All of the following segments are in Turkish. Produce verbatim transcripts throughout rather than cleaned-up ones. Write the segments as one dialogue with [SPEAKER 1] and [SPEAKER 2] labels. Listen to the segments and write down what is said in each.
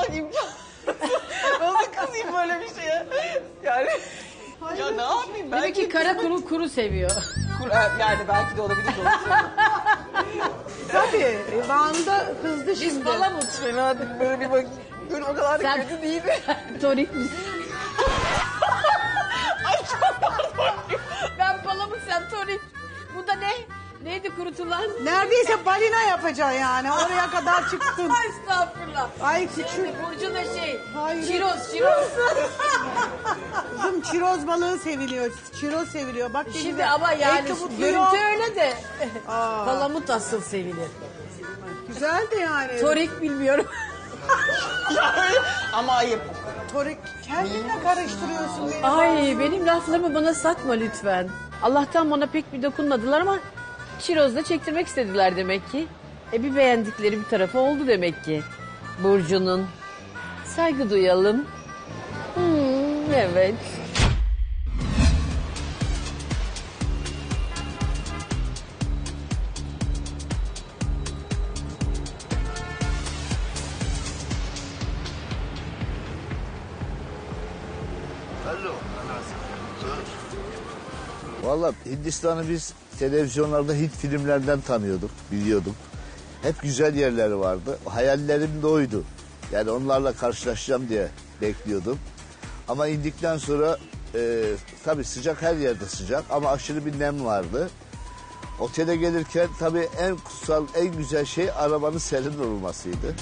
[SPEAKER 1] kızmak imkansız. Nasıl kızayım böyle bir şeye? Yani ya ne yapayım ben?
[SPEAKER 2] Demek ki kara kuru kuru seviyor.
[SPEAKER 1] Kur- Yani belki de olabilir. Doğru söylüyorsun.
[SPEAKER 3] Tabii. Van'da kızdı
[SPEAKER 2] Biz
[SPEAKER 3] şimdi.
[SPEAKER 2] palamut.
[SPEAKER 1] Fena değil, böyle bir bak. Dur o kadar da
[SPEAKER 2] Sen-
[SPEAKER 1] kötü değil mi?
[SPEAKER 2] Torik misin? Ben palamut, sen torik. Bu da ne? Neydi kurutulan?
[SPEAKER 3] Neredeyse balina yapacaksın yani. Oraya kadar çıktın.
[SPEAKER 2] Ay estağfurullah.
[SPEAKER 3] Ay küçük.
[SPEAKER 2] Şimdi Burcu da şey.
[SPEAKER 3] Hayır.
[SPEAKER 2] Çiroz, çiroz.
[SPEAKER 3] Kızım çiroz balığı seviliyor. Çiroz seviliyor. Bak ne
[SPEAKER 2] Şimdi
[SPEAKER 3] güzel.
[SPEAKER 2] ama yani
[SPEAKER 3] Ahtapotlu
[SPEAKER 2] görüntü
[SPEAKER 3] yok.
[SPEAKER 2] öyle de.
[SPEAKER 3] Aa.
[SPEAKER 2] Palamut asıl sevilir.
[SPEAKER 3] Güzel de yani.
[SPEAKER 2] Torik bilmiyorum.
[SPEAKER 1] Ama ayıp.
[SPEAKER 3] Torik kendinle karıştırıyorsun beni.
[SPEAKER 2] Ay benim laflarımı bana satma lütfen. Allah'tan bana pek bir dokunmadılar ama çirozda çektirmek istediler demek ki. E bir beğendikleri bir tarafı oldu demek ki. Burcu'nun. Saygı duyalım. Hmm, evet.
[SPEAKER 4] Alo. Valla Hindistan'ı biz televizyonlarda Hint filmlerden tanıyorduk, biliyorduk. Hep güzel yerleri vardı. Hayallerim de oydu. Yani onlarla karşılaşacağım diye bekliyordum. Ama indikten sonra e, tabii sıcak, her yerde sıcak ama aşırı bir nem vardı. Otele gelirken tabii en kutsal, en güzel şey arabanın serin olmasıydı.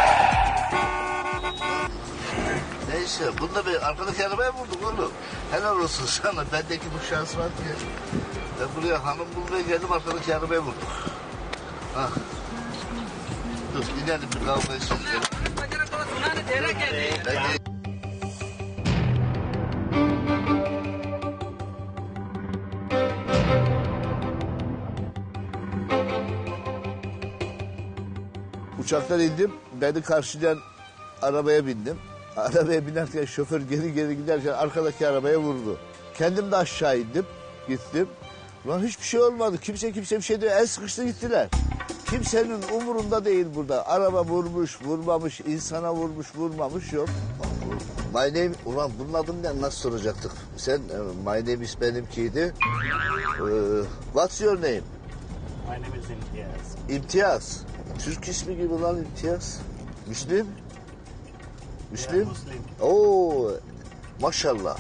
[SPEAKER 4] Neyse, bunda bir arkadaki arabaya vurduk oğlum. Helal olsun sana, bendeki bu şans var diye. Ben buraya hanım bulmaya geldim, arkadaki arabaya vurduk. Ah. Dur, inelim bir kavga etsin. Ben de... Uçaktan indim, beni karşılayan arabaya bindim. Arabaya binerken şoför geri geri giderken arkadaki arabaya vurdu. Kendim de aşağı indim, gittim. Ulan hiçbir şey olmadı, kimse kimse bir şey diyor, el sıkıştı gittiler. Kimsenin umurunda değil burada. Araba vurmuş, vurmamış, insana vurmuş, vurmamış yok. My name, ulan bunun adını ne, nasıl soracaktık? Sen, my name is benimkiydi. Uh, what's your name?
[SPEAKER 5] My name is Imtiaz.
[SPEAKER 4] İmtiyaz. Türk ismi gibi lan İmtiyaz. Müslüm? Müslüm?
[SPEAKER 5] Yeah, Muslim.
[SPEAKER 4] Oo, maşallah.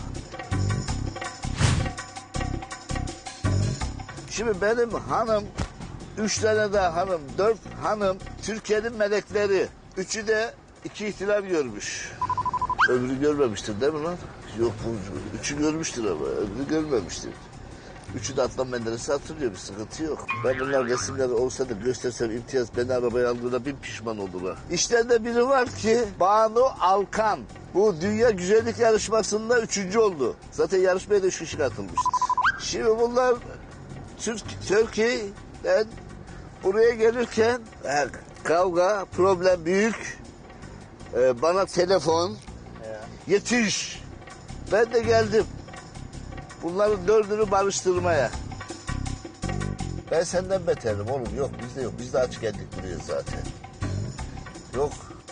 [SPEAKER 4] Şimdi benim hanım, üç tane de hanım, dört hanım Türkiye'nin melekleri. Üçü de iki ihtilal görmüş. Öbürü görmemiştir değil mi lan? Yok, bu, üçü görmüştür ama öbürü görmemiştir. Üçü de Adnan Menderes'i hatırlıyor, bir sıkıntı yok. Ben bunlar resimleri olsa da göstersem İmtiyaz beni arabaya aldığına bin pişman oldular. İşlerinde biri var ki Banu Alkan. Bu dünya güzellik yarışmasında üçüncü oldu. Zaten yarışmaya da üç kişi katılmıştı. Şimdi bunlar Türk, Türkiye'den buraya gelirken e, kavga, problem büyük. E, bana telefon, yetiş. Ben de geldim. Bunların dördünü barıştırmaya. Ben senden beterim oğlum. Yok bizde yok. Biz de aç geldik buraya zaten. Yok.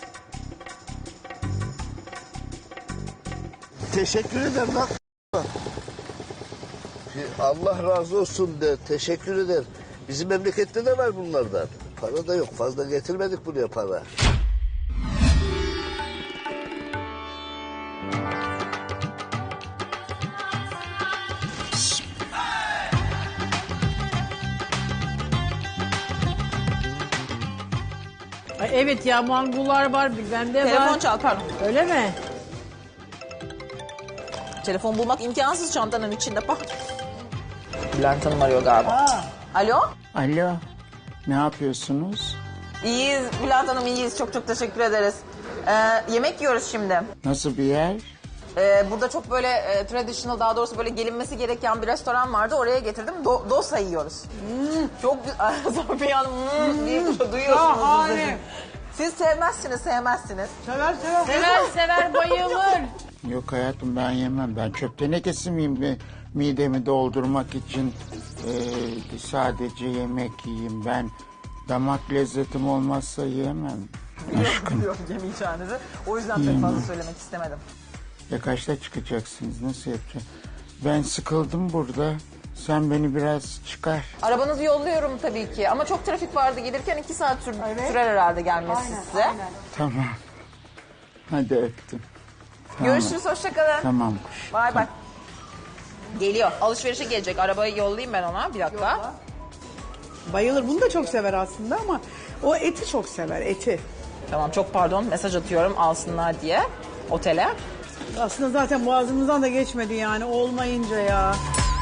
[SPEAKER 4] Teşekkür ederim lan. Allah razı olsun de. Teşekkür ederim. Bizim memlekette de var bunlardan. Para da yok. Fazla getirmedik buraya para.
[SPEAKER 2] Ay, evet ya mangular var, bende
[SPEAKER 1] Telefon
[SPEAKER 2] var.
[SPEAKER 1] çal pardon.
[SPEAKER 2] Öyle mi?
[SPEAKER 1] Telefon bulmak imkansız çantanın içinde bak. Bülent Hanım arıyor galiba. Alo?
[SPEAKER 6] Alo, ne yapıyorsunuz?
[SPEAKER 1] İyiyiz Bülent Hanım, iyiyiz. Çok çok teşekkür ederiz. Ee, yemek yiyoruz şimdi.
[SPEAKER 6] Nasıl bir yer?
[SPEAKER 1] Ee, burada çok böyle e, traditional, daha doğrusu böyle gelinmesi gereken bir restoran vardı. Oraya getirdim. Do- dosa yiyoruz. Çok güzel. Safiye Hanım hmm, diye duyuyorsunuz.
[SPEAKER 3] Şahane.
[SPEAKER 1] Siz sevmezsiniz, sevmezsiniz.
[SPEAKER 3] Sever sever.
[SPEAKER 2] Sever sever bayılır.
[SPEAKER 6] Yok hayatım, ben yemem. Ben çöp tenekesi miyim? Bir midemi doldurmak için e, sadece yemek yiyeyim. Ben damak lezzetim olmazsa yiyemem.
[SPEAKER 1] Biliyorum, biliyorum yemeyeceğinizi. O yüzden pek fazla söylemek istemedim.
[SPEAKER 6] Ya kaçta çıkacaksınız? Nasıl yapacağız? Ben sıkıldım burada. Sen beni biraz çıkar.
[SPEAKER 1] Arabanızı yolluyorum tabii ki ama çok trafik vardı gelirken iki saat sür- sürer herhalde gelmesi size.
[SPEAKER 6] Tamam. Hadi öptüm. Tamam.
[SPEAKER 1] Görüşürüz, hoşça kalın.
[SPEAKER 6] Tamam kuş.
[SPEAKER 1] Bay bay. Geliyor. Alışverişe gelecek. Arabayı yollayayım ben ona. Bir dakika.
[SPEAKER 3] Bayılır. Bunu da çok sever aslında ama o eti çok sever, eti.
[SPEAKER 1] Tamam, çok pardon. Mesaj atıyorum alsınlar diye otele.
[SPEAKER 3] Aslında zaten boğazımızdan da geçmedi yani olmayınca ya.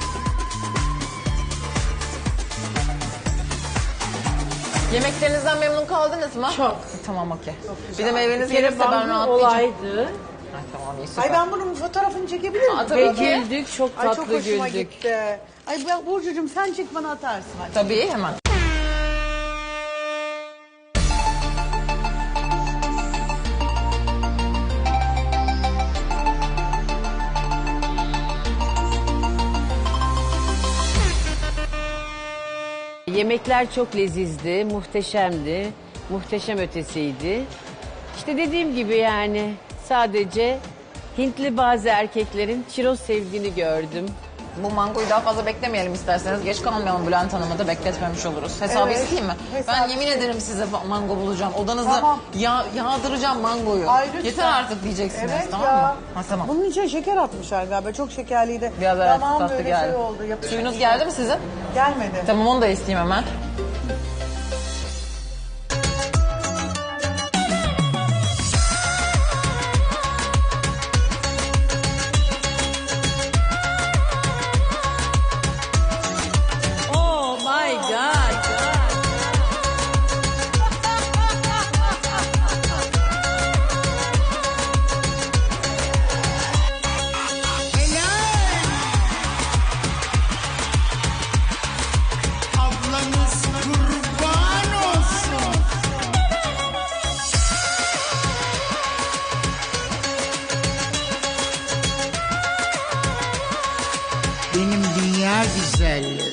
[SPEAKER 1] Yemeklerinizden memnun kaldınız mı?
[SPEAKER 2] Çok.
[SPEAKER 1] Tamam, okey. Bir de meyveniz
[SPEAKER 2] Bir kere
[SPEAKER 1] gelirse ben
[SPEAKER 2] bangı
[SPEAKER 1] rahatlayacağım.
[SPEAKER 2] olaydı.
[SPEAKER 1] Ay, tamam, iyi, süper.
[SPEAKER 3] Ay ben bunun fotoğrafını çekebilir miyim?
[SPEAKER 1] Aa, tabii
[SPEAKER 2] Ve
[SPEAKER 1] ki.
[SPEAKER 2] güldük, çok
[SPEAKER 3] Ay
[SPEAKER 2] tatlı
[SPEAKER 3] çok hoşuma
[SPEAKER 2] güldük.
[SPEAKER 3] gitti. Ay ben Burcucuğum sen çek bana atarsın. Hadi.
[SPEAKER 1] Tabii, hemen.
[SPEAKER 2] Yemekler çok lezizdi, muhteşemdi, muhteşem ötesiydi. İşte dediğim gibi yani sadece Hintli bazı erkeklerin çiroz sevdiğini gördüm.
[SPEAKER 1] Bu mangoyu daha fazla beklemeyelim isterseniz. Geç kalmayalım, Bülent Hanım'ı da bekletmemiş oluruz. Hesabı
[SPEAKER 3] Evet,
[SPEAKER 1] isteyeyim mi?
[SPEAKER 3] hesap
[SPEAKER 1] Ben yemin ederim size mango bulacağım. Odanızı
[SPEAKER 3] Tamam.
[SPEAKER 1] yağ, yağdıracağım mangoyu.
[SPEAKER 3] Ay, lütfen.
[SPEAKER 1] Yeter artık diyeceksiniz,
[SPEAKER 3] Evet
[SPEAKER 1] tamam
[SPEAKER 3] ya.
[SPEAKER 1] mı? Ha, tamam.
[SPEAKER 3] Bunun içine şeker atmışlar galiba. Çok şekerliydi.
[SPEAKER 1] Biraz evet,
[SPEAKER 3] tamam,
[SPEAKER 1] tatlı
[SPEAKER 3] böyle
[SPEAKER 1] geldi.
[SPEAKER 3] şey oldu. Yapacak
[SPEAKER 1] Suyunuz
[SPEAKER 3] bir şey
[SPEAKER 1] geldi mi sizin?
[SPEAKER 3] Gelmedi.
[SPEAKER 1] Tamam, onu da isteyeyim hemen.
[SPEAKER 2] Oh my God.
[SPEAKER 6] Ablanız kurban olsun. Benim dünya güzelleri.